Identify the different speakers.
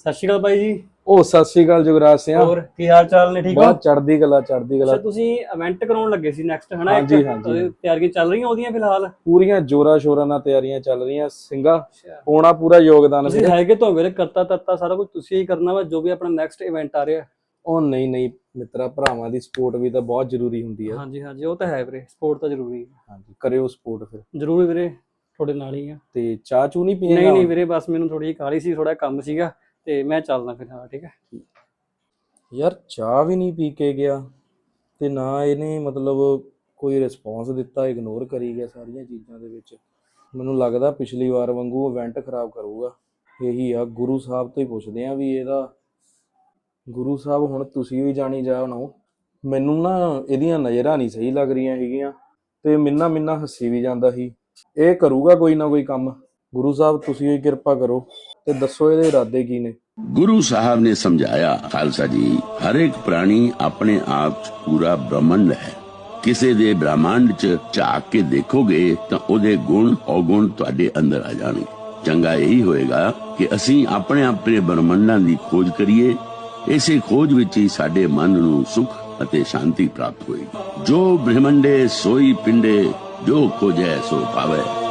Speaker 1: ਸਤਿ ਸ਼੍ਰੀ ਅਕਾਲ ਬਾਈ ਜੀ।
Speaker 2: ਉਹ ਸਤਿ ਸ੍ਰੀ ਅਕਾਲ ਜੁਗਰਾਜ ਸਿੰਘ।
Speaker 1: ਹੋਰ ਕੀ ਹਾਲ ਚਾਲ ਨੇ? ਠੀਕ ਹੋ?
Speaker 2: ਬਹੁਤ ਚੜ੍ਹਦੀ ਕਲਾ ਚੜ੍ਹਦੀ ਕਲਾ।
Speaker 1: ਅੱਛਾ, ਤੁਸੀਂ ਇਵੈਂਟ ਕਰਾਉਣ ਲੱਗੇ ਸੀ ਨੈਕਸਟ, ਹਨਾ?
Speaker 2: ਹਾਂਜੀ ਹਾਂਜੀ,
Speaker 1: ਤਿਆਰੀਆਂ ਚੱਲ ਰਹੀਆਂ ਉਹਦੀਆਂ ਫਿਲਹਾਲ?
Speaker 2: ਪੂਰੀਆਂ ਜੋਰਾਂ ਸ਼ੋਰਾਂ ਨਾਲ ਤਿਆਰੀਆਂ ਚੱਲ ਰਹੀਆਂ ਸਿੰਘਾ। ਹੋਣਾ ਪੂਰਾ ਯੋਗਦਾਨ
Speaker 1: ਤੁਸੀਂ ਹੈਗੇ ਤਾਂ ਵੀਰੇ, ਕਰਤਾ ਤੱਤਾ ਸਾਰਾ ਕੁਝ ਤੁਸੀਂ ਹੀ ਕਰਨਾ ਵਾ, ਜੋ ਵੀ ਆਪਣਾ ਨੈਕਸਟ ਇਵੈਂਟ ਆ ਰਿਹਾ।
Speaker 2: ਉਹ ਨਹੀਂ ਨਹੀਂ ਮਿੱਤਰਾ, ਭਰਾਵਾਂ ਦੀ ਸਪੋਰਟ ਵੀ ਤਾਂ ਬਹੁਤ ਜ਼ਰੂਰੀ ਹੁੰਦੀ ਹੈ।
Speaker 1: ਹਾਂਜੀ ਹਾਂਜੀ, ਉਹ ਤਾਂ ਹੈ ਵੀਰੇ, ਸਪੋਰਟ ਤਾਂ ਜ਼ਰੂਰੀ ਹੈ।
Speaker 2: ਹਾਂਜੀ, ਕਰਿਓ ਸਪੋਰਟ ਫਿਰ।
Speaker 1: ਜ਼ਰੂਰ ਵੀਰੇ, ਤੁਹਾਡੇ ਨਾਲ ਹੀ ਆ।
Speaker 2: ਤੇ ਚਾਹ ਚੂ ਨਹੀਂ ਪੀਏਗਾ?
Speaker 1: ਨਹੀਂ ਨਹੀਂ ਵੀਰੇ, ਬਸ ਮੈਨੂੰ ਥੋੜੀ ਜਿਹੀ ਕਾਹਲੀ ਸੀ, ਥੋੜਾ ਕੰਮ ਸੀਗਾ, ਤੇ ਮੈਂ ਚੱਲਦਾ ਫਿਰ। ਹਾਂ ਠੀਕ ਹੈ।
Speaker 2: ਯਾਰ ਚਾਹ ਵੀ ਨਹੀਂ ਪੀ ਕੇ ਗਿਆ ਤੇ ਨਾ ਇਹਨੇ ਮਤਲਬ ਕੋਈ ਰਿਸਪੌਂਸ ਦਿੱਤਾ, ਇਗਨੋਰ ਕਰੀ ਗਿਆ ਸਾਰੀਆਂ ਚੀਜ਼ਾਂ ਦੇ ਵਿੱਚ। ਮੈਨੂੰ ਲੱਗਦਾ ਪਿਛਲੀ ਵਾਰ ਵਾਂਗੂ ਇਵੈਂਟ ਖਰਾਬ ਕਰੂਗਾ। ਇਹੀ ਆ, ਗੁਰੂ ਸਾਹਿਬ ਤੋਂ ਹੀ ਪੁੱਛਦੇ ਆ ਵੀ ਇਹਦਾ। ਗੁਰੂ ਸਾਹਿਬ ਹੁਣ ਤੁਸੀਂ ਵੀ ਜਾਣੀ ਜਾਣੋ, ਮੈਨੂੰ ਨਾ ਇਹਦੀਆਂ ਨਜ਼ਰਾਂ ਨਹੀਂ ਸਹੀ ਲੱਗ ਰਹੀਆਂ ਹੈਗੀਆਂ ਤੇ ਮਿੰਨਾ ਹੱਸੀ ਵੀ ਜਾਂਦਾ ਸੀ। ਇਹ ਕਰੂਗਾ ਕੋਈ ਨਾ ਕੋਈ ਕੰਮ। ਗੁਰੂ ਸਾਹਿਬ ਤੁਸੀਂ ਹੀ ਕਿਰਪਾ ਕਰੋ ਤੇ ਦੱਸੋ ਇਹਦੇ ਇਰਾਦੇ ਕੀ ਨੇ।
Speaker 3: ਗੁਰੂ ਸਾਹਿਬ ਨੇ ਸਮਝਾਇਆ, ਖਾਲਸਾ ਜੀ, ਹਰ ਇੱਕ ਪ੍ਰਾਣੀ ਆਪਣੇ ਆਪ 'ਚ ਪੂਰਾ ਬ੍ਰਹਮੰਡ ਹੈ। ਕਿਸੇ ਦੇ ਬ੍ਰਹਮੰਡ 'ਚ ਝਾਕ ਕੇ ਦੇਖੋਗੇ ਤਾਂ ਉਹਦੇ ਗੁਣ ਔਗੁਣ ਤੁਹਾਡੇ ਅੰਦਰ ਆ ਜਾਣਗੇ। ਚੰਗਾ ਇਹੀ ਹੋਏਗਾ ਕਿ ਅਸੀਂ ਆਪਣੇ ਬ੍ਰਹਮੰਡਾਂ ਦੀ ਖੋਜ ਕਰੀਏ। ਇਸੇ ਖੋਜ ਵਿੱਚ ਹੀ ਸਾਡੇ ਮਨ ਨੂੰ ਸੁਖ ਅਤੇ ਸ਼ਾਂਤੀ ਪ੍ਰਾਪਤ ਹੋਏਗੀ। ਜੋ ਬ੍ਰਹਮੰਡੇ ਸੋਈ ਪਿੰਡੇ, ਜੋ ਖੋਜੈ ਸੋ ਪਾਵੇ।